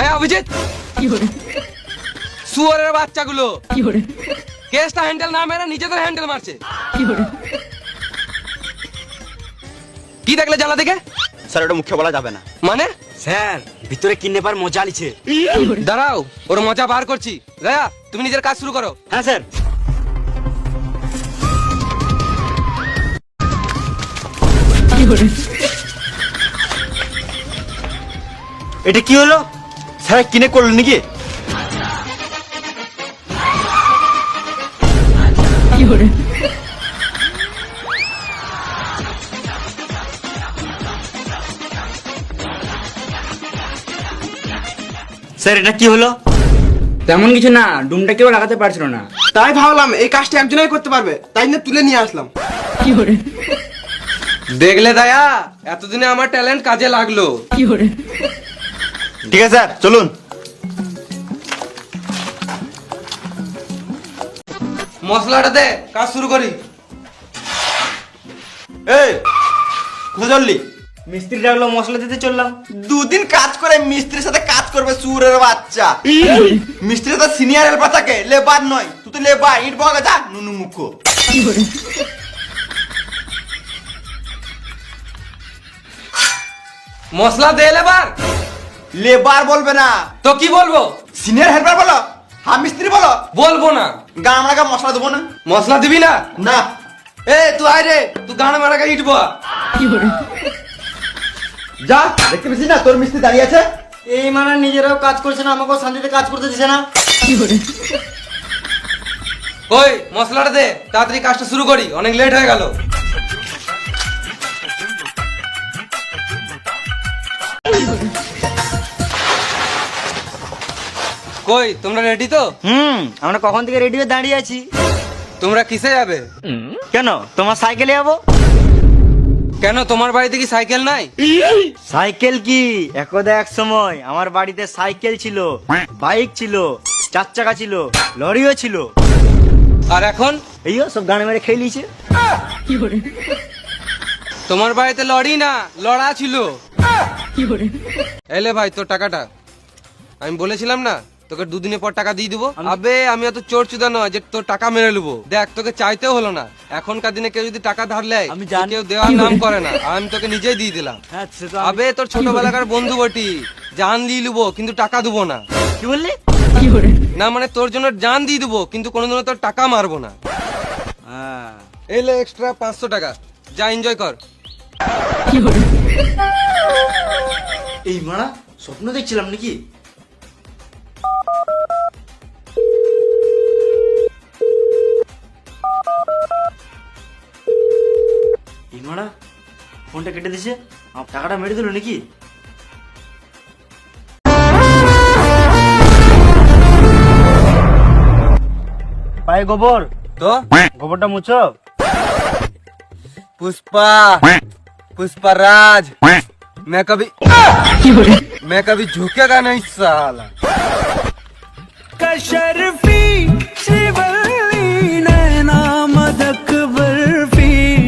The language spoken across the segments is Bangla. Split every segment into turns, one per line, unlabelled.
অভিজিৎ, শুয়োরের বাচ্চাগুলো কেসটা হ্যান্ডেল না মেরে নিজেদের হ্যান্ডেল মারছে। কি দেখলে জানা থেকে?
স্যার ওটা মুখে বলা যাবে না।
মানে
স্যার ভিতরে কিডন্যাপার মজা লিছে।
দাঁড়াও, ওর মজা বার করছি। দয়া, তুমি নিজের কাজ শুরু করো।
হ্যাঁ স্যার।
এটা কি হলো? স্যার কিনে করলেন নাকি?
স্যার এটা কি হলো?
তেমন কিছু না, ডুমটা কেউ লাগাতে পারছিল না।
তাই ভাবলাম এই কাজটা একজনই করতে পারবে, তাই না তুলে নিয়ে আসলাম।
দেখলে দয়া, এতদিনে আমার ট্যালেন্ট কাজে লাগলো।
ঠিক আছে স্যার, চলুন।
মশলাটা দে, কাজ শুরু করি।
এই কোথায় চললি?
মিস্ত্রি ডাকলো, মশলা দিতে চললাম।
দুদিন কাজ করে মিস্ত্রির সাথে কাজ করবে সুরের বাচ্চা। মিস্ত্রির সাথে সিনিয়র হেল্পার থাকে, লেবার নয়। তুই তো লেবার, ইট বগা যা নুনু মুখ।
মশলা দে লেবার।
লেবার বলবে না,
তো কি বলবো?
সিনিয়র হেল্পার বলো, হ্যাঁ মিস্ত্রি বলো।
বলবো না।
গান আমরা মশলা দেবো না।
মশলা দিবি না?
না।
এ তুই আয় রে, তুই গান মারাকে ইটবো।
যা, দেখতে পেয়েছিস না তোর মিস্ত্রি দাঁড়িয়ে আছে।
এই মানে নিজেরাও কাজ করছে না, আমাকেও শান্তিতে কাজ করতে দিছে না।
ওই মশলাটা দে, তাড়াতাড়ি কাজটা শুরু করি, অনেক লেট হয়ে গেল। কই তোমরা রেডি তো?
আমরা কখন থেকে রেডি হয়ে দাঁড়িয়ে আছি।
তোমরা কিসে যাবে?
কেন, তোমার সাইকেলে যাবো।
কেন, তোমার বাড়িতে কি সাইকেল নাই?
সাইকেল কি, একদা এক সময় আমার বাড়িতে সাইকেল ছিল, বাইক ছিল, 4 চাকা ছিল, লরিও ছিল।
আর এখন?
এই সব গানে মেরে খেয়ে নিয়েছে।
তোমার বাড়িতে লড়ি না, লড়া ছিল। এলে ভাই তোর টাকাটা। আমি বলেছিলাম না তোকে দুদিনের পর টাকা দিয়ে দিবো। আবে আমি অত চোর চুদা নয় যে তোর টাকা মেরে নেবো। দেখ তোকে চাইতেও হলো না। এখনকার দিনে কেউ যদি টাকা ধার লেয়,
আমি জানি।
কেউ দেওয়ার নাম করে না। আর আমি তোকে নিজেই দিয়ে দিলাম।
হ্যাঁ, সে তো
আবে তোর ছোটবেলাকার বন্ধু বটি, জান দিয়ে নেবো কিন্তু টাকা দেবো না।
কি বললি?
না মানে তোর জন্য জান দিয়ে দেবো কিন্তু কোনোদিনও তোর টাকা মারবো না। এলে এক্সট্রা 500 টাকা, যা এনজয় কর।
এই মারা স্বপ্ন দেখছিলাম নাকি? এই মারা ফোনটা কেটে দিছে, আমার টাকাটা মেরে দিল নাকি? পায়ে গোবর
তো
গোবরটা মুছো।
पुष्पा पुष्पराज मैं कभी झुकेगा नहीं साला।
कशरफी श्रीवल्ली नैना मदक बर्फी।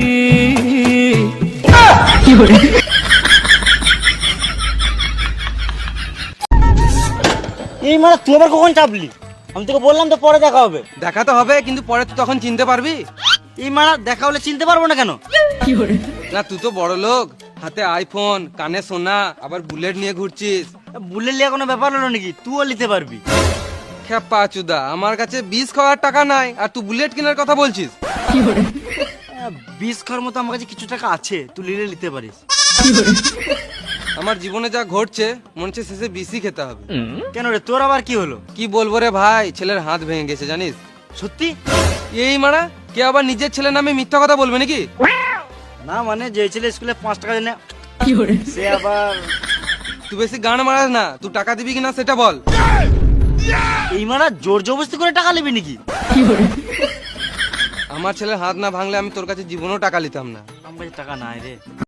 এই মারা তুই আবার কখন চাপলি? আমি তোকে বললাম তো পরে দেখা হবে।
দেখা তো হবে কিন্তু পরে তুই তখন চিনতে পারবি।
এই মারা দেখা হলে চিনতে পারবো না কেন?
না তুই তো বড় লোক, হাতে আইফোন, কানে সোনা, আবার বুলেট নিয়ে ঘুরছিস।
বুলেট লিয়া কোনো ব্যাপার হলো নাকি? তুইও নিতে পারবি।
খেপা চুদা, আমার কাছে 20 খাওয়ার টাকা নাই আর তুই বুলেট কেনার কথা বলছিস।
20 খাওয়ার মতো আমার কাছে কিছু টাকা আছে, তুই নিলে নিতে পারিস।
আমার জীবনে যা ঘটছে মনে হচ্ছে শেষে বিসি খেতে হবে।
কেন রে, তোর আবার কি হলো?
কি বলবো রে ভাই, ছেলের হাত ভেঙে গেছে জানিস।
সত্যি?
এই মারা কে আবার নিজের ছেলের নামে মিথ্যা কথা বলবে নাকি?
না মানে যে ছেলে স্কুলে 5 টাকা দেয় না, সে আবার।
তুই বেশি গান মারাস না, তুই টাকা দিবি কিনা সেটা বল।
এই মারা জোর জবরদস্তি করে টাকা নেবি নাকি?
আমার ছেলের হাত না ভাঙলে আমি তোর কাছে জীবনেও টাকা নিতাম না।
আমার কাছে টাকা নাই রে।